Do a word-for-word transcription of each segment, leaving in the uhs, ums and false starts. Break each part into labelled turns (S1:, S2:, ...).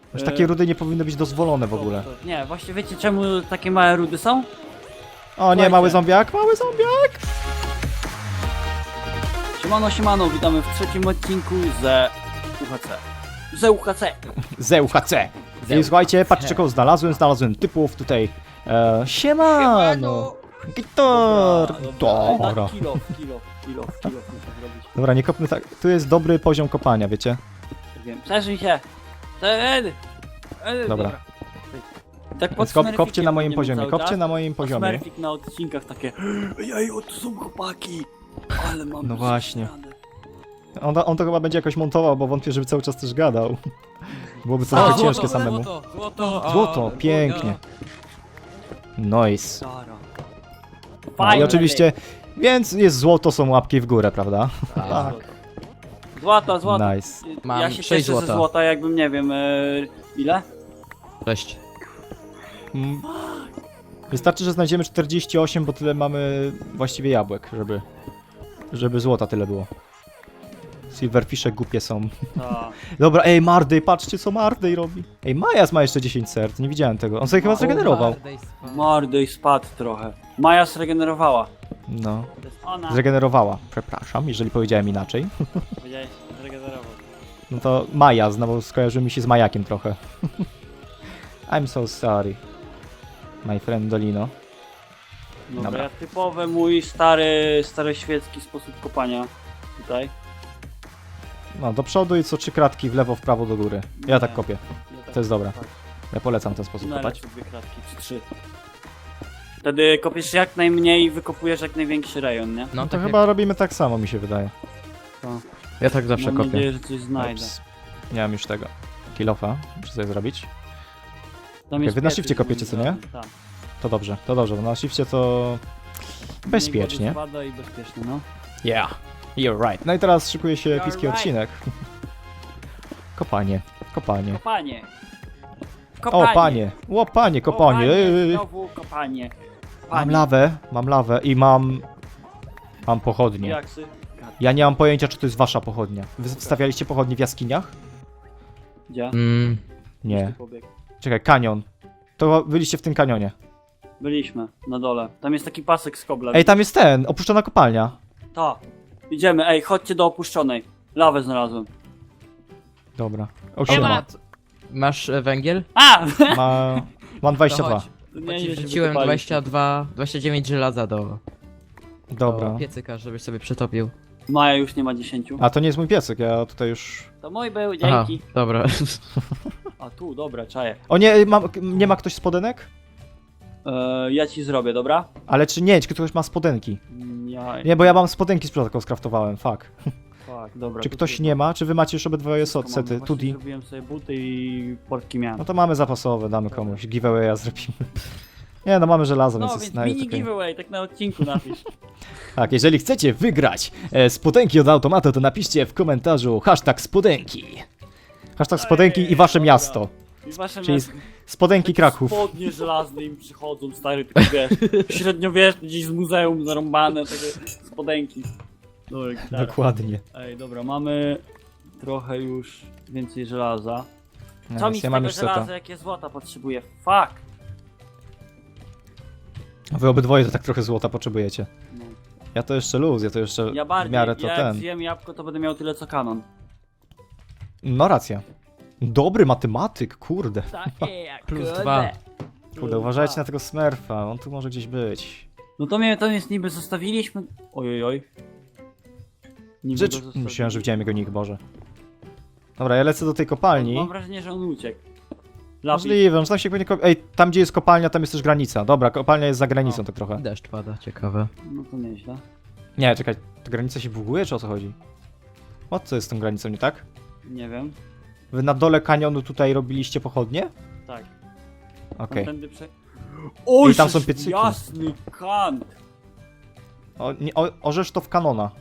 S1: Już takie rudy nie powinny być dozwolone w ogóle.
S2: Nie, właśnie wiecie czemu takie małe rudy są?
S1: O nie, mały zombiak, mały zombiak!
S2: Siemano, siemano, witamy w trzecim odcinku ze U H C. Ze U H C.
S1: Z U H C! I słuchajcie, patrzcie kogo znalazłem, znalazłem typów tutaj. E, siemano! Gitar! Dobra.
S2: Tak, kilo, kilo, kilo, kilo muszę zrobić.
S1: Dobra, nie kopmy tak. Tu jest dobry poziom kopania, wiecie?
S2: Wiem, przeżyj się. Ten.
S1: Dobra.
S2: Tak pod
S1: Więc kop, kopcie
S2: Smurfikiem
S1: na moim
S2: będziemy
S1: poziomie,
S2: cały
S1: kopcie
S2: czas.
S1: na moim poziomie.
S2: Smurfik na odcinkach takie. Ej, o tu są chłopaki. Ale mam
S1: No właśnie.
S2: radę.
S1: On, on to chyba będzie jakoś montował, bo wątpię, żeby cały czas też gadał. Byłoby to
S2: A,
S1: trochę
S2: złoto,
S1: ciężkie samemu.
S3: Złoto, złoto,
S1: Złoto, pięknie. Nice.
S2: Dara.
S1: No i
S2: Fajnie.
S1: oczywiście, więc jest złoto, są łapki w górę, prawda?
S2: Tak. Złota, złota.
S1: Nice.
S3: Mam
S2: Ja się
S3: sześć
S2: cieszę ze
S3: złota.
S2: złota, jakbym nie wiem, e, ile?
S3: Cześć.
S1: Mm. Wystarczy, że znajdziemy czterdzieści osiem, bo tyle mamy właściwie jabłek, żeby, żeby złota tyle było. Silverfishe głupie są.
S2: Ta.
S1: Dobra, ej, Marday, patrzcie co Marday robi. Ej, Majas ma jeszcze dziesięć serc, nie widziałem tego. On sobie chyba zregenerował.
S2: Mordej spadł trochę. Maja zregenerowała.
S1: No,
S2: To jest ona.
S1: zregenerowała. Przepraszam, jeżeli powiedziałem inaczej.
S2: Powiedziałeś, zregenerował.
S1: No to Maja, znowu skojarzył mi się z Majakiem trochę. I'm so sorry. My friend Dolino.
S2: Dobra,
S1: Dobra.
S2: ja typowy mój stary, stary świecki sposób kopania. Tutaj.
S1: No, do przodu i co trzy kratki w lewo, w prawo, do góry. Ja
S2: Nie.
S1: tak kopię.
S2: Ja tak-
S1: To jest dobre.
S2: tak.
S1: Ja polecam ten sposób kopać.
S2: Najlepsze dwie kratki, czy trzy. Wtedy kopiesz jak najmniej i wykopujesz jak największy rejon, nie?
S3: No
S1: No to
S3: tak
S1: chyba robimy tak samo, mi się wydaje.
S2: To.
S3: Ja tak zawsze
S2: Mam
S3: kopię.
S2: nadzieję, że coś znajdę.
S1: Ups. Nie mam już tego. Kilofa, muszę sobie zrobić.
S2: Tam
S1: Okej, wy na
S2: piecyk,
S1: shifcie kopiecie, co nie?
S2: Tak.
S1: To dobrze, to dobrze, bo na shifcie to bezpiecznie.
S2: Mniej wody spada i bezpiecznie, no.
S1: Yeah, you're right. No i teraz szykuje się
S2: You're
S1: epicki
S2: right.
S1: odcinek. Kopanie, kopanie.
S2: Kopanie.
S1: O, panie, o, panie, kopanie. Ej, ej.
S2: Znowu kopanie.
S1: Mam
S2: Panie.
S1: lawę, mam lawę i mam... Mam pochodnie.
S2: Jaksy.
S1: Ja nie mam pojęcia, czy to jest wasza pochodnia. Wy stawialiście pochodnie w jaskiniach?
S2: Gdzie?
S3: Mm,
S1: Nie.
S2: Ty pobiegł.
S1: Czekaj, kanion. To byliście w tym kanionie.
S2: Byliśmy, na dole. Tam jest taki pasek z kobla.
S1: Ej, tam jest ten, opuszczona kopalnia.
S2: Ta. Idziemy, ej, chodźcie do opuszczonej. Lawę znalazłem.
S1: Dobra.
S3: o,
S1: O, siema.
S3: ma- Masz e, węgiel?
S2: A!
S1: Ma... Mam dwadzieścia dwa.
S3: To chodź.
S2: To
S3: Bo
S2: nie,
S3: ci
S2: nie, się
S3: wrzuciłem
S2: wykopaliśmy.
S3: dwadzieścia dwa, dwadzieścia dziewięć żelaza do,
S1: Dobra.
S3: do piecyka, żebyś sobie przetopił.
S2: Maja już nie ma dziesięciu.
S1: A to nie jest mój piesek, ja tutaj już...
S2: To mój był,
S3: Aha,
S2: dzięki.
S3: dobra.
S2: A tu, dobra, czaję.
S1: O nie, mam, nie ma ktoś spodenek?
S2: E, ja ci zrobię, dobra?
S1: Ale czy nie, czy ktoś ma spodenki?
S2: Mm, Ja...
S1: Nie, bo ja mam spodenki z protokół skraftowałem, fuck.
S2: Fuck, dobra.
S1: Czy
S2: to
S1: ktoś
S2: tu-
S1: nie ma? Czy wy macie już obydwoje
S2: wszystko
S1: so-
S2: mam.
S1: sety?
S2: Właśnie
S1: Tudi?
S2: zrobiłem sobie buty i portki miałem.
S1: No to mamy zapasowe, damy komuś. Giveawaya zrobimy. Nie, no mamy żelazo,
S2: No,
S1: więc jest
S2: więc
S1: na
S2: mini
S1: okej.
S2: giveaway, tak na odcinku napisz.
S1: Tak, jeżeli chcecie wygrać e, spodenki od automatu, to napiszcie w komentarzu hashtag spodenki. Hashtag spodenki i wasze
S2: Dobra.
S1: miasto.
S2: I wasze
S1: Czyli
S2: miasto.
S1: Spodenki
S2: Takie
S1: Kraków.
S2: Spodnie żelazne im przychodzą, stary, tylko wiesz, średniowieczne, gdzieś z muzeum zarąbane, takie spodenki. Dobra, gitara.
S1: Dokładnie.
S2: Ej, dobra, mamy trochę już więcej żelaza. Co
S1: Ja
S2: mi z
S1: mam
S2: tego
S1: już seta.
S2: żelaza, jakie złota potrzebuję? Fuck!
S1: Wy obydwoje to tak trochę złota potrzebujecie.
S2: No.
S1: Ja to jeszcze luz, ja to jeszcze
S2: Ja
S1: w
S2: bardziej,
S1: miarę to
S2: jak
S1: ten.
S2: zjem jabłko, to będę miał tyle co kanon.
S1: No racja. Dobry matematyk, kurde.
S2: Takie jak
S3: Plus
S2: kurde.
S3: dwa.
S1: Kurde, uważajcie na tego Smurfa, on tu może gdzieś być.
S2: No to mnie tam jest niby zostawiliśmy. Ojojoj. Niby
S1: Rzecz...
S2: go zostawili.
S1: Myślałem, że widziałem jego nick, Boże. Dobra, ja lecę do tej kopalni.
S2: Mam wrażenie, że on uciekł. Lapis.
S1: Możliwe, że tam się pewnie kop... Ej, tam gdzie jest kopalnia, tam jest też granica. Dobra, kopalnia jest za granicą
S2: O.
S1: tak trochę.
S3: Deszcz pada, ciekawe.
S2: No to nieźle.
S1: Nie, czekaj, ta granica się buguje, czy o co chodzi? O co jest z tą granicą, nie tak?
S2: Nie wiem.
S1: Wy na dole kanionu tutaj robiliście pochodnie?
S2: Tak.
S1: Okej.
S2: Tędy prze... O,
S1: I tam są piecyki.
S2: Jasny kant.
S1: O, nie, o, orzesz to w kanona.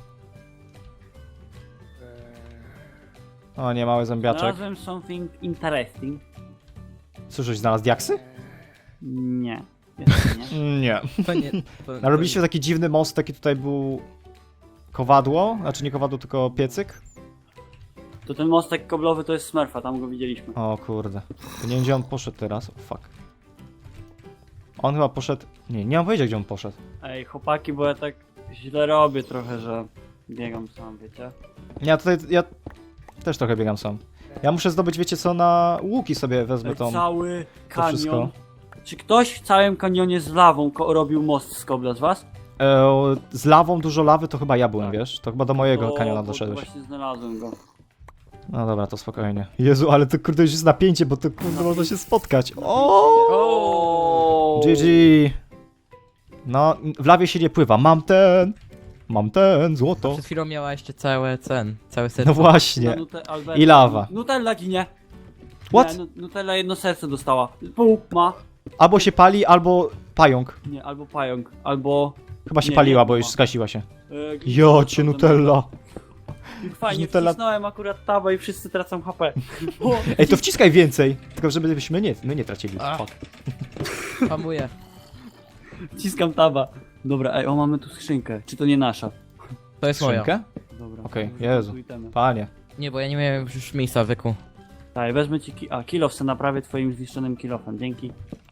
S1: O nie, mały zombiaczek.
S2: Znalazłem something interesting.
S1: Słyszysz, znalazł diaksy?
S2: Nie. Jeszcze nie.
S1: Nie.
S3: To nie, to,
S1: Narobiliście taki dziwny most, taki tutaj był kowadło, znaczy nie kowadło, tylko piecyk.
S2: To ten mostek koblowy to jest Smurfa, tam go widzieliśmy.
S1: O kurde. To nie wiem gdzie on poszedł teraz. O fuck. On chyba poszedł... Nie, nie mam powiedzieć gdzie on poszedł.
S2: Ej, chłopaki, bo ja tak źle robię trochę, że biegam sam, wiecie?
S1: Ja tutaj... Ja też trochę biegam sam. Ja muszę zdobyć, wiecie co, na łuki sobie wezmę
S2: Ej,
S1: tą...
S2: cały kanion.
S1: wszystko.
S2: Czy ktoś w całym kanionie z lawą ko- robił most z kobla z was?
S1: E, z lawą, dużo lawy to chyba ja byłem,
S2: Tak.
S1: wiesz? To chyba do mojego
S2: To-
S1: kaniona
S2: bo
S1: doszedłeś.
S2: Właśnie znalazłem go.
S1: No dobra, to spokojnie. Jezu, ale to kurde już jest napięcie, bo to kurde można się spotkać. O!
S2: O!
S1: G G! No, w lawie się nie pływa. Mam ten! Mam ten, złoto.
S3: Przed chwilą miała jeszcze całe cen, całe serce.
S1: No właśnie.
S2: Nute- Albert-
S1: I lawa.
S2: Nutella ginie.
S1: What?
S2: Nie, nu- Nutella jedno serce dostała. Pół ma.
S1: Albo się pali, albo pająk.
S2: Nie, albo pająk, albo...
S1: Chyba się
S2: Nie,
S1: paliła,
S2: nie,
S1: bo
S2: ma.
S1: już zgasiła się.
S2: Yy,
S1: Jo, cię Nutella.
S2: Fajnie,
S1: Nutella-
S2: wcisnąłem akurat tabę i wszyscy tracą H P. O,
S1: Ej, to wciskaj więcej. Tylko żebyśmy nie, my nie tracili.
S3: A.
S1: Fuck.
S3: Hamuję.
S2: wciskam taba. Dobra, ej, o, mamy tu skrzynkę. Czy to nie nasza?
S3: To jest moja.
S1: Skrzynkę?
S2: Dobra.
S1: Okej,
S2: może
S1: Jezu.
S2: tu itemy.
S1: Panie.
S3: Nie, bo ja nie miałem już miejsca w wyku.
S2: Tak, wezmę ci ki- a, kilof se naprawię twoim zniszczonym kilofem, dzięki.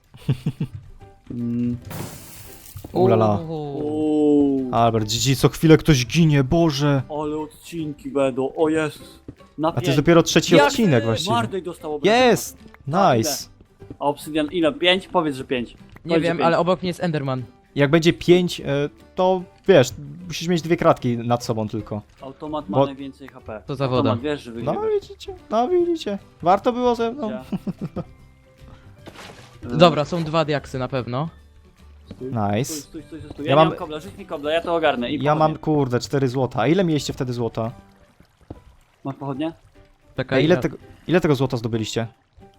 S2: Mm.
S1: Ulala.
S3: Uuu.
S2: Uuu,
S1: Albert, G G, co chwilę ktoś ginie, Boże.
S2: ale odcinki będą, o jest. Na
S1: A to jest
S2: pięć.
S1: dopiero trzeci
S2: Jak
S1: odcinek
S2: ty?
S1: właściwie.
S2: Mardej dostał obrażenia.
S1: Jest! Nice.
S2: A obsydian ile? pięć? Powiedz, że pięć.
S3: Nie
S2: Powiedz, że
S3: wiem,
S2: pięć.
S3: ale obok mnie jest Enderman.
S1: Jak będzie pięć, to wiesz, musisz mieć dwie kratki nad sobą tylko.
S2: Automat ma
S1: Bo-
S2: najwięcej H P.
S3: To za woda.
S2: Automat, wiesz, że
S1: No
S2: wygrywa.
S1: widzicie, no widzicie. Warto było ze mną.
S3: Dobra, są dwa diaksy na pewno.
S2: Stój,
S1: Nice.
S2: stój, stój, stój, stój.
S1: Ja
S2: Ja,
S1: mam-
S2: mam kobla, rzuć mi kobla, ja to ogarnę. I
S1: Ja mam,
S2: pochodnie.
S1: kurde, cztery złota. A ile mieliście wtedy złota?
S2: Masz pochodnie?
S3: Taka
S1: A ile,
S3: ja-
S1: tego, ile tego złota zdobyliście?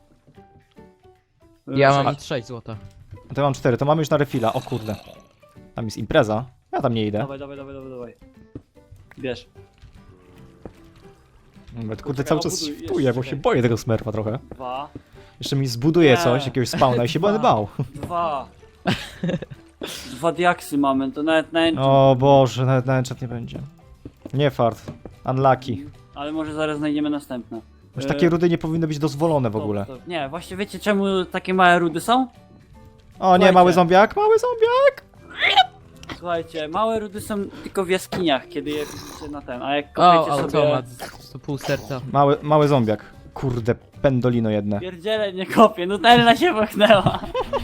S3: Ja
S2: Sześć.
S3: mam sześć złota.
S1: To ja mam cztery, to mamy już na refila. O kurde. Tam jest impreza. Ja tam nie idę.
S2: Dawaj, dawaj, dawaj, dawaj, dawaj. Bierz.
S1: Kurde,
S2: Poczekaj,
S1: cały czas
S2: obuduj,
S1: świpuję, bo
S2: jeszcze
S1: się
S2: czekaj.
S1: boję tego smerfa trochę.
S2: Dwa.
S1: Jeszcze mi zbuduje
S2: Nie.
S1: coś, jakiegoś spawna i się będę
S2: Dwa.
S1: bał.
S2: Dwa. Dwa diaksy mamy, to nawet na enchant.
S1: O Boże, nawet na enchant nie będzie. Nie fart. Unlucky.
S2: Ale może zaraz znajdziemy następne.
S1: Już
S2: E,
S1: takie rudy nie powinny być dozwolone w
S2: stop,
S1: ogóle.
S2: stop. Nie, właśnie wiecie czemu takie małe rudy są?
S1: O nie,
S2: Słuchajcie.
S1: mały zombiak, mały zombiak!
S2: Słuchajcie, małe rudy są tylko w jaskiniach, kiedy je widzicie na ten, a jak
S3: O,
S2: kopiecie sobie...
S3: automat. To pół serca.
S1: Mały, mały zombiak. Kurde, pendolino jedne.
S2: Pierdziele, nie kopię, Nutella się pochnęła.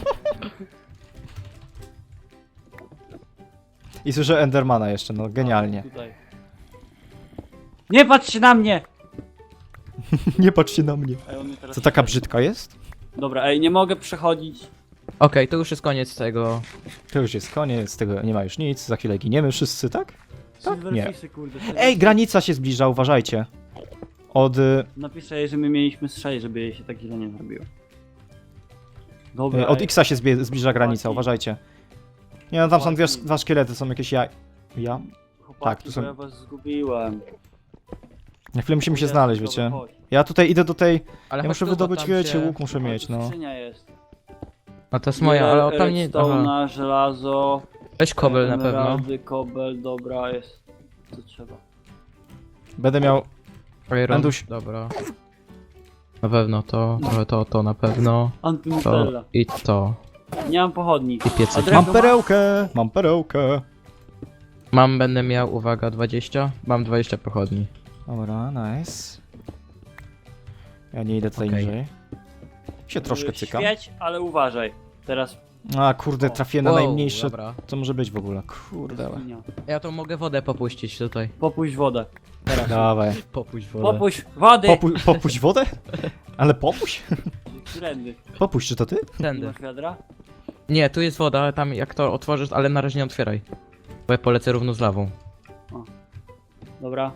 S1: I słyszę Endermana jeszcze, no genialnie.
S2: Tutaj. Nie patrz się na mnie!
S1: Nie patrzcie na mnie.
S2: Ej, on mnie teraz
S1: Co taka
S2: śledzi.
S1: brzydka jest?
S2: Dobra, ej, nie mogę przechodzić.
S3: Okej, to już jest koniec tego.
S1: To już jest koniec, tego nie ma już nic, za chwilę giniemy wszyscy, tak? Tak? Nie.
S2: Silverfishy, kurde.
S1: Ej, granica się zbliża, uważajcie. Od... y,
S2: Napiszę jej, że my mieliśmy z sześć, żeby jej się tak źle nie zrobiło. Dobra,
S1: y, Od
S2: ej,
S1: Xa się zbie- zbliża granica,
S2: chłopaki.
S1: uważajcie. Nie no, tam są dwie,
S2: Chłopaki.
S1: dwa szkielety, są jakieś ja... Ja?
S2: chłopaki,
S1: tak, tu
S2: bo
S1: są-
S2: ja was zgubiłem.
S1: Na chwilę musimy się
S2: Dobra,
S1: znaleźć,
S2: dobra,
S1: wiecie.
S2: chodź.
S1: Ja tutaj idę do tej...
S3: Ale
S1: Ja
S3: chodź
S1: muszę
S3: tu, bo
S1: wydobyć,
S3: tam
S1: wiecie,
S3: się-
S1: łuk muszę
S2: O,
S1: mieć,
S2: tu
S1: no.
S2: skrzynia jest.
S3: No to jest moja, ale o, tam nie... Aha.
S2: Redstone'a, żelazo.
S3: Weź kobel na pewno.
S2: emeraldy, kobel, dobra, jest. Co trzeba.
S1: Będę miał...
S3: Iron.
S1: Anduś.
S3: Dobra. Na pewno to, trochę to, to na pewno. To
S2: Antynutella.
S3: i to.
S2: Nie mam pochodni.
S3: I
S2: A
S3: piecyk.
S2: drewno
S1: Mam perełkę, mam perełkę.
S3: Mam, będę miał, uwaga, dwadzieścia. Mam dwadzieścia pochodni.
S1: Dobra, nice. Ja nie idę tutaj
S3: Okej.
S1: niżej. Się troszkę cykam.
S2: Świeć, ale uważaj. Teraz
S1: A kurde, trafiłem na
S3: Wow,
S1: najmniejsze,
S3: Dobra.
S1: co może być w ogóle. Kurde.
S2: jaskinia.
S3: Ja to mogę wodę popuścić tutaj.
S2: Popuść wodę.
S1: Dawaj.
S3: Popuść wodę.
S2: Popuść wody!
S1: Popu popuść wodę? Ale popuść?
S2: Trendy.
S1: Popuść, czy to ty?
S2: Nie
S3: Tędy.
S2: masz wiadra?
S3: Nie, tu jest woda, tam jak to otworzysz, ale na razie nie otwieraj. Bo ja polecę równo z lawą.
S2: Dobra,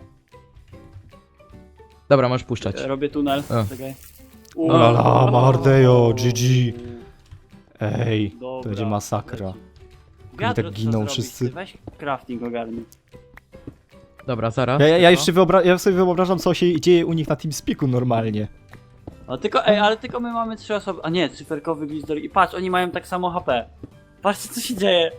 S3: Dobra, możesz puszczać.
S2: robię tunel.
S3: A.
S2: Czekaj.
S1: Ulala, Mardejo, G G. Ej,
S2: Dobra,
S1: to będzie masakra.
S2: leci. Wiadro
S1: tak
S2: trzeba
S1: giną
S2: zrobić,
S1: wszyscy.
S2: ty Weź crafting ogarnij.
S3: Dobra, zaraz.
S1: Ja, ja, ja
S3: tylko.
S1: jeszcze wyobra ja sobie wyobrażam, co się dzieje u nich na TeamSpeaku normalnie.
S2: A tylko, ej, ale tylko my mamy trzy osoby. A nie, cyferkowy glizdor. I patrz, oni mają tak samo H P. Patrzcie co się dzieje.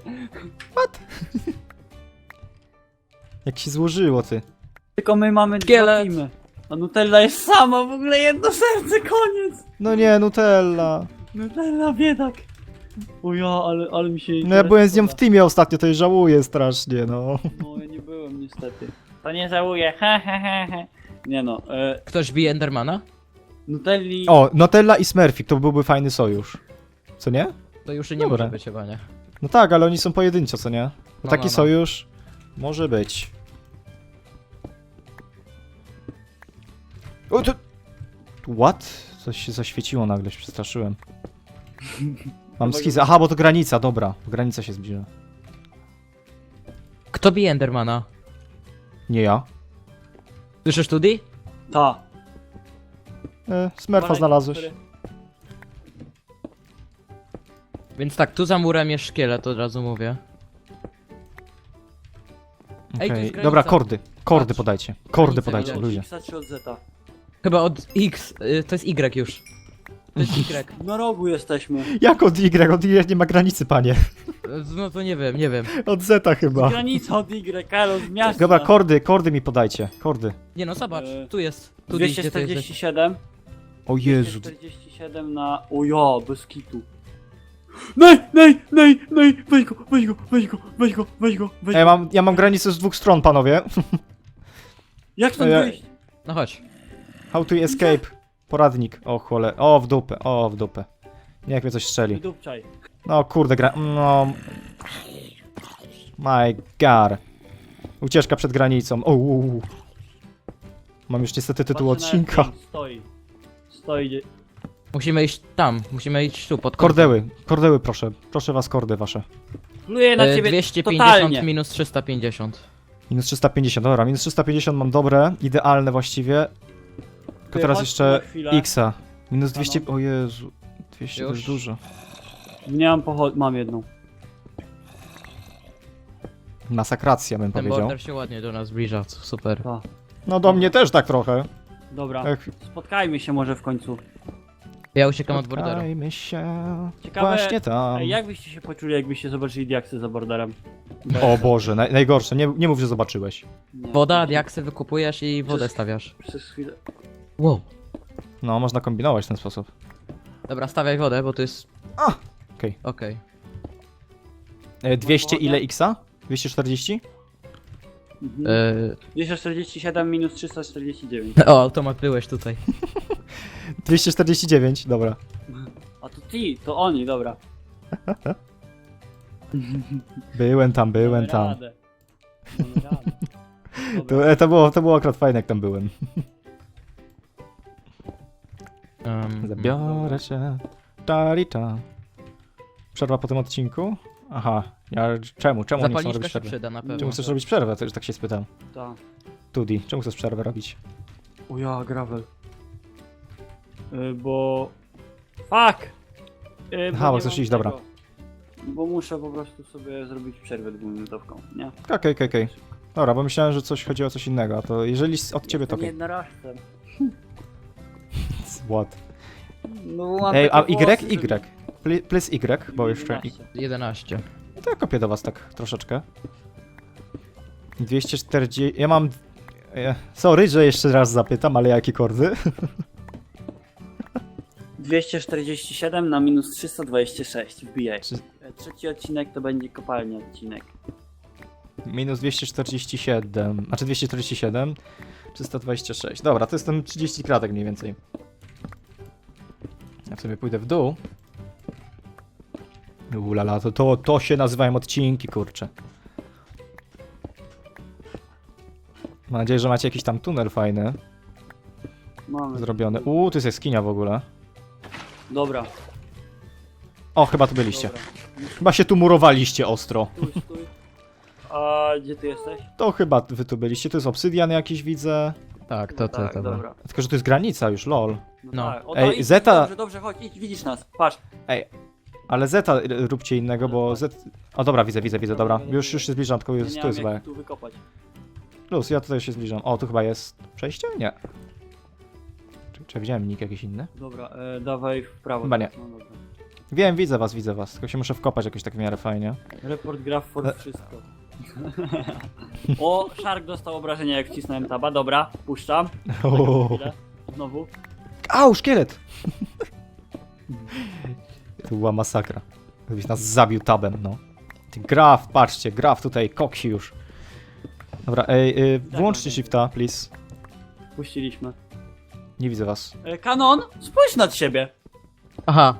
S1: Jak się złożyło, ty.
S2: Tylko my mamy dwa
S3: Szkielet.
S2: teamy. A Nutella jest sama, w ogóle jedno serce, koniec!
S1: No nie, Nutella.
S2: Nutella, biedak. O ja, ale, ale mi się...
S1: No ja byłem z nią w teamie ostatnio, to jej żałuję strasznie, no.
S2: No ja nie byłem niestety. To nie żałuję, he he he he. Nie no, e,
S3: Ktoś bije Endermana?
S2: Nutelli...
S1: O, Nutella i Smurfik, to byłby fajny sojusz. Co nie?
S3: To już nie
S1: Dobra.
S3: może być chyba, nie?
S1: No tak, ale oni są pojedynczo, co nie?
S3: No,
S1: Taki
S3: no, no.
S1: sojusz może być. O, to... What? Coś się zaświeciło nagle, się przestraszyłem. Mam schizę. Aha, bo to granica, dobra. Granica się zbliża.
S3: Kto bije Endermana?
S1: Nie ja.
S3: Słyszysz Tudi?
S2: Ta.
S1: E, Smurfa znalazłeś.
S3: Więc tak, tu za murem jest szkielet, od razu mówię. Ej, tu
S1: Okej,
S3: jest granica.
S1: dobra, kordy. Kordy
S3: Patrz.
S1: podajcie. Kordy
S3: Granica
S1: podajcie,
S3: widać.
S1: ludzie.
S2: Xa czy od Zeta?
S3: Chyba od X, y, to jest Y już. To jest Y.
S2: Na rogu jesteśmy.
S1: Jak od Y? Od Y nie ma granicy, panie.
S3: No to nie wiem, nie wiem.
S1: Od Zeta chyba.
S2: Granica od Y, Karol, z miasta.
S1: Dobra, kordy, kordy mi podajcie. Kordy.
S3: Nie no, zobacz,
S2: E,
S3: tu jest. Tu
S2: dwieście
S3: gdzie ty jesteś?
S2: czterdzieści siedem.
S1: O Jezu.
S2: dwieście czterdzieści siedem na... O ja, bez kitu. Nej, nej, nej, nej, weź go, weź go, weź go, weź go, weź go, weź
S1: Ja
S2: go.
S1: mam, ja mam granicę z dwóch stron, panowie.
S2: Jak stąd
S1: Ja-
S2: wyjść?
S3: No chodź.
S1: How to escape. Poradnik. O chole. O, w dupę. O, w dupę. Niech mnie coś strzeli.
S2: Wydupczaj.
S1: No kurde, gra... No... My god. Ucieczka przed granicą. O, u, u. Mam już niestety tytuł
S2: Patrzę na
S1: odcinka.
S2: F pięć, Stoi. Stoi. gdzie-
S3: Musimy iść tam, musimy iść tu, pod kątem.
S1: Kordeły. Kordeły proszę. Proszę was, kordy wasze.
S2: Pluję na
S3: E,
S2: ciebie
S3: dwieście pięćdziesiąt
S2: totalnie.
S3: minus trzysta pięćdziesiąt.
S1: Minus trzysta pięćdziesiąt. Dobra, minus trzysta pięćdziesiąt mam dobre. Idealne właściwie. Tylko
S2: Ty,
S1: teraz
S2: chodź
S1: jeszcze
S2: tu na chwilę.
S1: Xa. Minus dwieście...
S2: Ano.
S1: O Jezu. dwieście to
S3: Już.
S1: jest dużo.
S2: Nie mam pochod... Mam jedną.
S1: Masakracja bym
S3: Ten
S1: powiedział.
S3: border się ładnie do nas zbliża, co super.
S2: Ta.
S1: No do mnie też tak trochę.
S2: Dobra.
S1: Ech,
S2: Spotkajmy się może w końcu.
S3: Ja uciekam od borderu.
S1: spotkajmy się.
S2: Ciekawe,
S1: Właśnie tam.
S2: Ej, jak byście się poczuli, jakbyście zobaczyli diaksy za borderem?
S1: O Boże, naj, najgorsze. Nie, nie mów, że zobaczyłeś.
S2: Nie.
S3: Woda, diaksy wykupujesz i wodę
S2: Przez-
S3: stawiasz.
S2: Przez chwilę.
S3: Wow.
S1: No, można kombinować w ten sposób.
S3: Dobra, stawiaj wodę, bo to jest...
S1: A, okej.
S3: Okej.
S1: E, dwieście
S2: wodę?
S1: ile Xa? dwieście czterdzieści?
S2: Mhm.
S3: E,
S2: dwieście czterdzieści siedem minus trzysta czterdzieści dziewięć.
S3: O, automat byłeś tutaj.
S1: dwieście czterdzieści dziewięć, dobra.
S2: A to ty, to oni, dobra.
S1: Byłem tam, byłem
S2: Damy
S1: tam.
S2: radę. Damy radę. Dobra.
S1: To, e, to, było, to było akurat fajne, jak tam byłem.
S3: Um,
S1: Zabiorę cię. Tarita. Przerwa po tym odcinku? Aha. Ja, czemu? Czemu nie chcą
S3: Zapalniczka
S1: robić
S3: się
S1: przerwy?
S3: przyda na pewno.
S1: Czemu chcesz robić przerwę? To już tak się spytam.
S2: Ta.
S1: Tudi, czemu chcesz przerwę robić?
S2: O ja, gravel. Y, bo... Fuck! Y, bo
S1: Aha, bo
S2: nie
S1: chcesz
S2: mam
S1: iść, dobra.
S2: tego. Bo muszę po prostu sobie zrobić przerwę dwuminutowką, nie?
S1: Okej, okej, okej. Dobra, bo myślałem, że coś chodziło o coś innego, a to jeżeli s- od ciebie to
S2: Jestem
S1: okej.
S2: jednorożcem.
S1: What?
S2: No, bo mam
S1: Ej, a
S2: takie
S1: Y?
S2: włosy, że-
S1: Y? Pli- Please Y, bo jeszcze...
S2: jedenaście.
S3: jedenaście.
S1: No to ja kopię do was tak troszeczkę. dwieście czterdzieści... Ja mam... e, Sorry, że jeszcze raz zapytam, ale jakie kordy?
S2: dwieście czterdzieści siedem na minus trzysta dwadzieścia sześć, wbijaj.
S1: Czy-
S2: E, Trzeci odcinek to będzie kopalnia odcinek.
S1: Minus dwieście czterdzieści siedem... Znaczy dwieście czterdzieści siedem... trzysta dwadzieścia sześć. Dobra, to jest tam trzydzieści kratek mniej więcej. Ja sobie pójdę w dół. Ulala, to, to, to się nazywają odcinki, kurczę. Mam nadzieję, że macie jakiś tam tunel fajny
S2: Mamy.
S1: zrobiony. Uuu, tu jest jaskinia w ogóle.
S2: Dobra.
S1: O, chyba tu byliście.
S2: Dobra.
S1: Chyba się tu murowaliście ostro.
S2: Stój, stój. A gdzie ty jesteś?
S1: To chyba wy tu byliście. Tu jest obsydian jakiś, widzę.
S3: Tak, to, to,
S2: tak,
S3: to.
S2: dobra.
S1: Tylko, że tu jest granica już, lol.
S2: No,
S3: No.
S2: tak. O,
S1: Ej,
S2: to idź,
S1: Zeta-
S2: Dobrze, dobrze, chodź, idź, widzisz nas. Patrz.
S1: Ale Zeta y, róbcie innego, bo Z... O, dobra, widzę, widzę, widzę, dobra. Już, już się zbliżam, tylko
S2: Nie,
S1: jest,
S2: nie
S1: tu
S2: mam
S1: jest chyba.
S2: jak tu wykopać.
S1: Plus, ja tutaj się zbliżam. O, tu chyba jest przejście? Nie. Czy, czy widziałem nick jakiś inny?
S2: Dobra, e, dawaj w prawo.
S1: Chyba nie.
S2: teraz, No, dobra.
S1: Wiem, widzę was, widzę was. Tylko się muszę wkopać jakoś tak w miarę fajnie.
S2: Report graf for
S1: E-
S2: wszystko. O, Shark dostał obrażenia jak wcisnąłem taba, dobra, puszczam.
S1: O.
S2: Chwilę. Znowu.
S1: Au, szkielet! To była masakra. Gdybyś nas zabił tabem, no. Ty Graf, patrzcie, Graf tutaj koksi już. Dobra, ej, y, włączcie shifta, please.
S2: Puściliśmy.
S1: Nie widzę was.
S2: E, Kanon, spójrz nad siebie.
S3: Aha,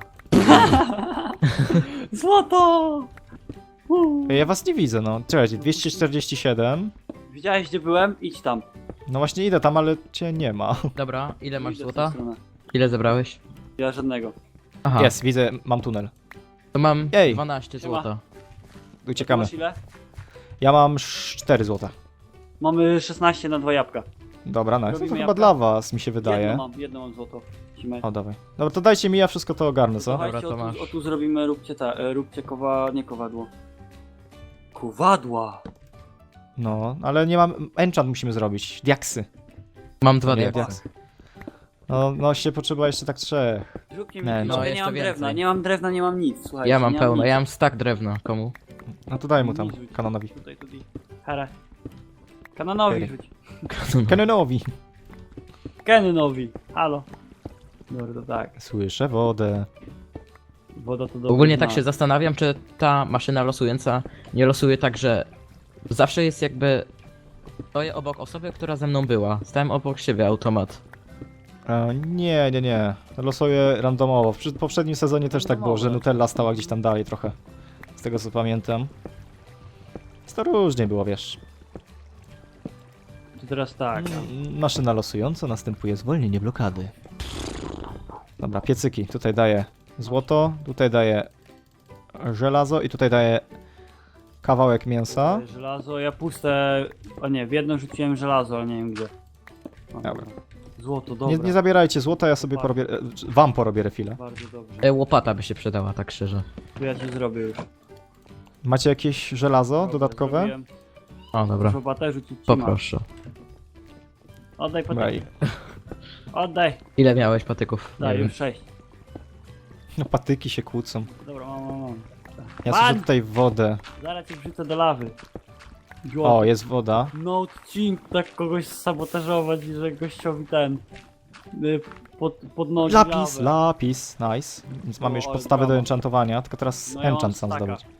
S2: Złoto! Uuu.
S1: Ej, ja was nie widzę, no. Czekajcie, dwieście czterdzieści siedem.
S2: Widziałeś gdzie byłem? Idź tam.
S1: No właśnie idę tam, ale cię nie ma.
S3: dobra, ile masz
S2: Idę w tę
S3: złota?
S2: stronę.
S3: Ile zebrałeś?
S2: Ja żadnego.
S3: Aha,
S1: Jest, widzę, mam tunel.
S3: to mam
S1: Ej.
S3: dwanaście
S2: Siema.
S3: złota.
S1: Uciekamy.
S2: Masz ile?
S1: Ja mam cztery złota.
S2: Mamy szesnaście na dwa jabłka.
S1: Dobra, nice. No to
S2: Robimy
S1: chyba
S2: jabłka?
S1: dla was, mi się
S2: Jedno
S1: wydaje.
S2: mam, jedno mam złoto. Cimej.
S1: O, dawaj. Dobra, to dajcie mi, ja wszystko to ogarnę, co?
S2: Słuchajcie,
S3: Dobra, to
S2: o,
S3: masz.
S2: tu, o tu zrobimy, róbcie ta, e, róbcie kowa, nie kowadło. Kowadła!
S1: No, ale nie mam... Enchant musimy zrobić. Diaksy.
S3: Mam dwa
S1: Nie,
S3: diaksy.
S1: No, no się potrzeba jeszcze tak trzech.
S2: Zróbcie mi
S1: Nie,
S2: nie,
S1: no,
S2: ja
S3: jest
S2: nie
S3: to
S2: mam
S3: więcej.
S2: drewna, nie mam drewna, nie mam nic, słuchajcie.
S3: Ja mam
S2: nie
S3: pełno,
S2: nic.
S3: ja mam stack drewna. Komu?
S1: No to daj mu tam,
S2: Mi rzuć.
S1: kanonowi.
S2: Tutaj, tutaj. Hara. Kanonowi
S1: Okej.
S2: rzuć.
S1: Kanonowi.
S2: Kanonowi. Halo. Dobra, to tak.
S1: Słyszę wodę.
S2: Woda to dobry
S3: Ogólnie tak
S2: znak.
S3: się zastanawiam, czy ta maszyna losująca nie losuje tak, że zawsze jest jakby... Stoję obok osoby, która ze mną była. Stałem obok siebie automat.
S1: E, nie, nie, nie. Losuję randomowo. W przy- poprzednim sezonie też tak było, że
S2: Randomowo.
S1: Nutella stała gdzieś tam dalej trochę. Z tego co pamiętam. Więc to różnie było, wiesz.
S2: To teraz tak.
S1: Mm, Maszyna losująca, następuje zwolnienie blokady. Dobra, piecyki. Tutaj daję złoto, tutaj daję żelazo i tutaj daję kawałek mięsa.
S2: Żelazo, ja puste... O nie, w jedno rzuciłem żelazo, ale nie wiem gdzie. O,
S1: Dobra.
S2: Złoto, dobra.
S1: Nie, nie zabierajcie złota, ja sobie
S2: Bardzo.
S1: porobię, e, wam porobię refile.
S2: Bardzo dobrze.
S3: E, łopata by się przydała, tak szczerze.
S2: To ja ci zrobię już.
S1: Macie jakieś żelazo
S2: Dobra,
S1: dodatkowe?
S2: zrobiłem.
S3: O, dobra.
S2: Robotę rzucić ci masz.
S3: Poproszę.
S2: Oddaj
S1: Dobra,
S2: patyk.
S1: i-
S2: Oddaj.
S3: Ile miałeś patyków? Nie
S2: Daj,
S3: wiem.
S2: już sześć.
S1: No patyki się kłócą.
S2: Dobra, mam, mam, mam.
S1: Ja
S2: Pan!
S1: słyszę tutaj wodę.
S2: Zaraz cię wrzucę do lawy.
S1: O,
S2: Złoto.
S1: jest woda.
S2: No odcinku tak kogoś sabotażować, że gościowi ten... y, Pod, podnosi
S1: Lapis,
S2: lawę.
S1: lapis, nice. Więc mamy
S2: O,
S1: już
S2: ale
S1: podstawę do
S2: brawo.
S1: enchantowania, tylko teraz
S2: No ja mam
S1: enchant sam
S2: staka.
S1: zdobyć.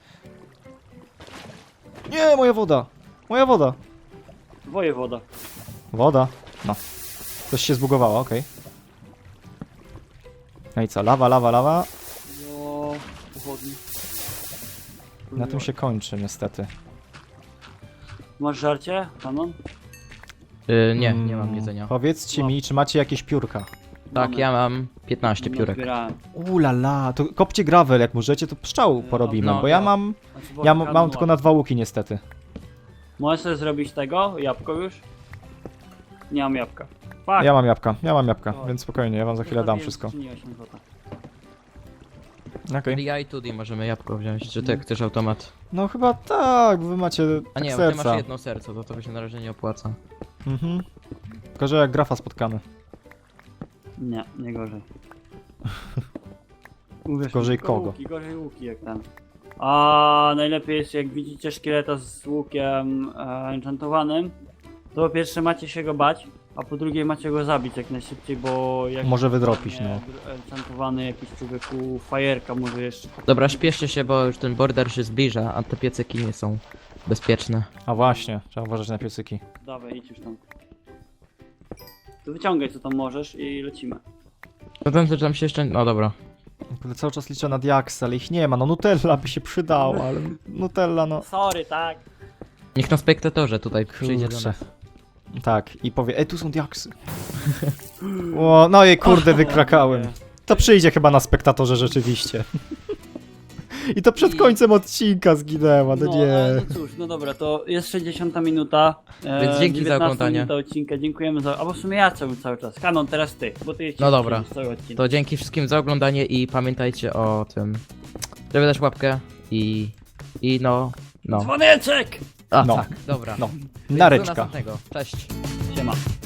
S1: Nie, moja woda! Moja woda!
S2: Wojewoda.
S1: Woda. No. Coś się zbugowało, okej. No i co, lawa, lawa, lawa.
S2: No... Pochodni.
S1: Na tym się kończy niestety.
S2: Masz żarcie, Kanon?
S3: Y, nie, nie
S1: Mm,
S3: mam jedzenia.
S1: Powiedzcie
S2: Mam.
S1: mi, czy macie jakieś piórka?
S3: Tak,
S2: Mamy.
S3: ja mam piętnaście piórek.
S2: Nazbierałem.
S1: Ulala, to kopcie gravel jak możecie, to pszczał porobimy,
S3: no,
S1: bo ja
S3: no.
S1: mam,
S2: Znaczy, bo
S1: ja
S2: Kanon
S1: mam, mam tylko na
S2: łapie.
S1: dwa łuki niestety.
S2: Możesz sobie zrobić tego? Jabłko już? Nie mam jabłka. Fuck.
S1: Ja mam jabłka, ja mam jabłka,
S2: O.
S1: więc spokojnie, ja wam za chwilę dam
S2: Zostawiłem
S1: wszystko.
S2: skrzyni osiem złota.
S1: Okej.
S3: Ja i Tudi możemy jabłko wziąć, czy ty chcesz automat?
S1: No chyba tak, bo wy macie
S3: A
S1: tak
S3: nie, ty
S1: serca.
S3: masz jedno serce, to to się na razie nie opłaca.
S1: Mhm. Tylko, że jak grafa spotkamy.
S2: Nie, nie gorzej. Uwierz
S1: Gorzej
S2: mi, tylko
S1: kogo?
S2: Łuki, gorzej łuki jak ten. A najlepiej jest jak widzicie szkieleta z łukiem e, enchantowanym, to po pierwsze macie się go bać, a po drugie macie go zabić jak najszybciej, bo jak
S1: Może wydropić,
S2: nie,
S1: no.
S2: dr- enchantowany jakiś człowieku fajerka może jeszcze.
S3: Dobra, śpieszcie się, bo już ten border się zbliża, a te piecyki nie są bezpieczne.
S1: A właśnie, trzeba uważać na piecyki.
S2: Dawaj, idź już tam. To wyciągaj co tam możesz i lecimy.
S3: Potem też tam się jeszcze... No dobra.
S1: Kurde, cały czas liczę na diaksy, ale ich nie ma. No Nutella by się przydała, ale Nutella no...
S2: Sorry, tak.
S3: Niech na spektatorze tutaj przyjdzie do
S1: Kurczę.
S3: nas.
S1: Tak, i powie, ej tu są diaksy. O, no i kurde, wykrakałem. To przyjdzie chyba na spektatorze rzeczywiście. I to przed
S2: I-
S1: końcem odcinka zginęła, no
S2: No,
S1: nie.
S2: ale no cóż, no dobra, to jest sześćdziesiąta minuta. E,
S3: Więc dzięki za
S2: dziewiętnasta
S3: oglądanie.
S2: minuta odcinka, dziękujemy za... Albo w sumie ja cały, cały czas. Kanon, teraz ty, bo ty
S3: No dobra.
S2: cały odcinek.
S3: To dzięki wszystkim za oglądanie i pamiętajcie o tym, żeby dać łapkę i... i no... no.
S2: Dzwoneczek!
S3: A
S1: No.
S3: tak, dobra.
S1: No,
S3: Więc do
S1: nareczka.
S3: następnego. Cześć.
S2: Siema.